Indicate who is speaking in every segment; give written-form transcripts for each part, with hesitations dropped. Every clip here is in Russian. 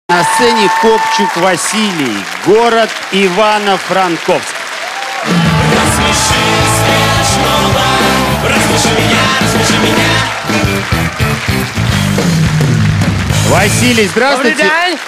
Speaker 1: На сцене Копчук Василий, город Ивано-Франковск.
Speaker 2: Рассмеши смешного, рассмеши меня.
Speaker 1: Василий, здравствуйте.
Speaker 3: Добрый день.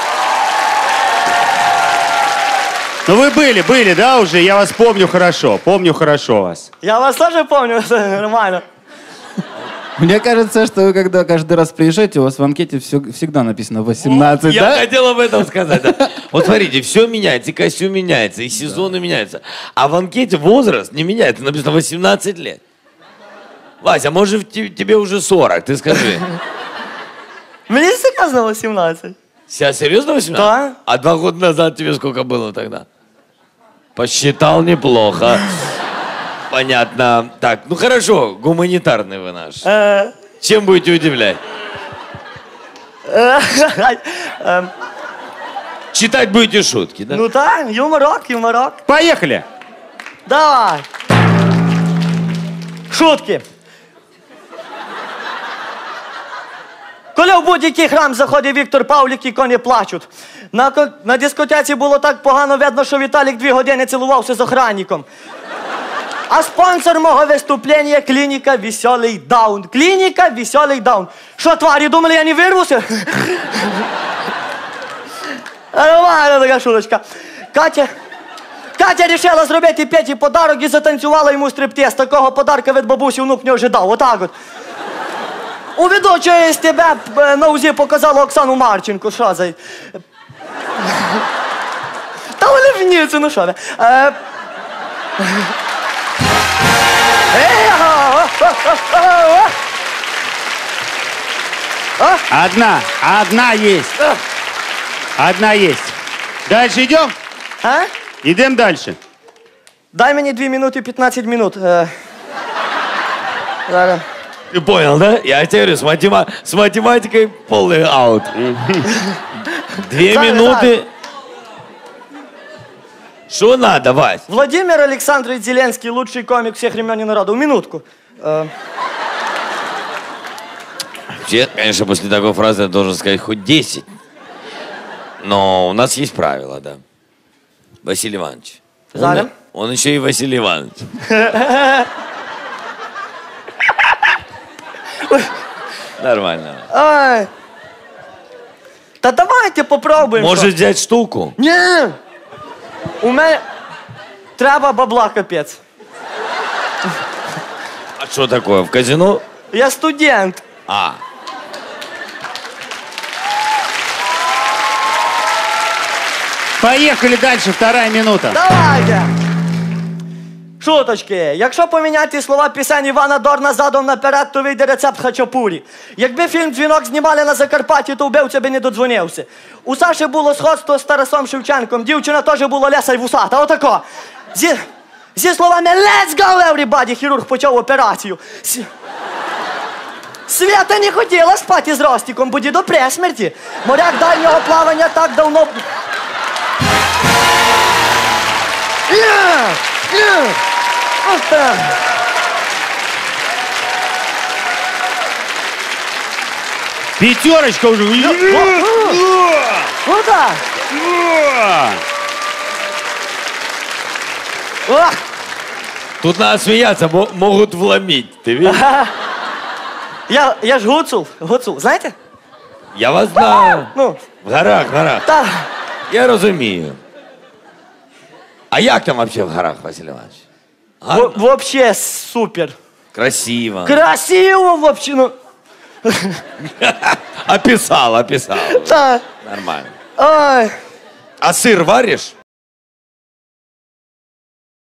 Speaker 1: Ну вы были, да, уже? Я вас помню хорошо вас.
Speaker 3: Я вас тоже помню, нормально.
Speaker 4: Мне кажется, что вы, когда каждый раз приезжаете, у вас в анкете всегда написано 18,
Speaker 5: Я
Speaker 4: да?
Speaker 5: хотел об этом сказать. Да. Вот смотрите, все меняется, и костюм меняется, и сезоны меняются. А в анкете возраст не меняется, написано 18 лет. Вася, может тебе уже 40, ты скажи.
Speaker 3: Мне сказано 18.
Speaker 5: Сейчас серьезно 18?
Speaker 3: Да.
Speaker 5: А 2 года назад тебе сколько было тогда? Посчитал неплохо. Понятно. Так, ну хорошо, гуманитарный вы наш. Чем будете удивлять? Читать будете шутки, да?
Speaker 3: Ну да, юморок.
Speaker 1: Поехали!
Speaker 3: Давай. Шутки. Коли в будь-який храм заходить Віктор Павлік, і коні плачуть. На дискотеці було так погано видно, що Віталік 2 години цілувався з охранником. А спонсор мого виступлення – клініка «Веселий даун». Клініка «Веселий даун». Що, тварі, думали, я не вирвуся? Нормальна така шуточка. Катя рішила зробити Петі подарок і затанцювала йому стриптиз. Такого подарка від бабусі внук не ожидав. Отак от. У ведучої СТБ на УЗІ показала Оксану Марченко. Що за... Та вони вніться, ну що ви.
Speaker 1: Одна есть. Дальше идем?
Speaker 3: А?
Speaker 1: Идем дальше.
Speaker 3: Дай мені 2 минути 15 минут. Зараз.
Speaker 5: Ты понял, да? Я тебе говорю, с математикой полный аут. 2 минуты. Что надо, Вась?
Speaker 3: Владимир Александрович Зеленский, лучший комик всех времен и народов. Минутку.
Speaker 5: Вообще, конечно, после такой фразы я должен сказать хоть 10. Но у нас есть правила, да. Василий Иванович.
Speaker 3: Залем?
Speaker 5: Он еще и Василий Иванович. Нормально.
Speaker 3: Ай. Та давайте попробуємо.
Speaker 5: Может взять штуку?
Speaker 3: Ні. У мене треба бабла капець.
Speaker 5: А что такое, в казино?
Speaker 3: Я студент.
Speaker 5: А.
Speaker 1: Поехали дальше, 2 минута.
Speaker 3: Давайте. Шуточки. Якщо поміняти слова пісень Івана Дорна задом наперед, то вийде рецепт хачапурі. Якби фільм «Дзвінок» знімали на Закарпатті, то вбивця би не додзвонився. У Саші було сходство з Тарасом Шевченком. Дівчина теж була леса й вусата. Отако. Зі словами «Let's go, everybody!» хірург почав операцію. Свята не хотіла спати з Ростіком, буде до пресмерті. Моряк дальнього плавання так давно...
Speaker 1: Пятерочка уже.
Speaker 3: Ну так. Ох.
Speaker 5: Тут надо смеяться, могут вломить. Ты видишь?
Speaker 3: Я ж гуцул, знаєте?
Speaker 5: Я вас знаю.
Speaker 3: Ну,
Speaker 5: В горах.
Speaker 3: та,
Speaker 5: Я розумію. А як там вообще в горах, Василий Иванович? Гарно?
Speaker 3: вообще супер.
Speaker 5: Красиво.
Speaker 3: Красиво вообще, ну.
Speaker 5: Описал.
Speaker 3: Та,
Speaker 5: Нормально.
Speaker 3: ой.
Speaker 5: А сыр варишь?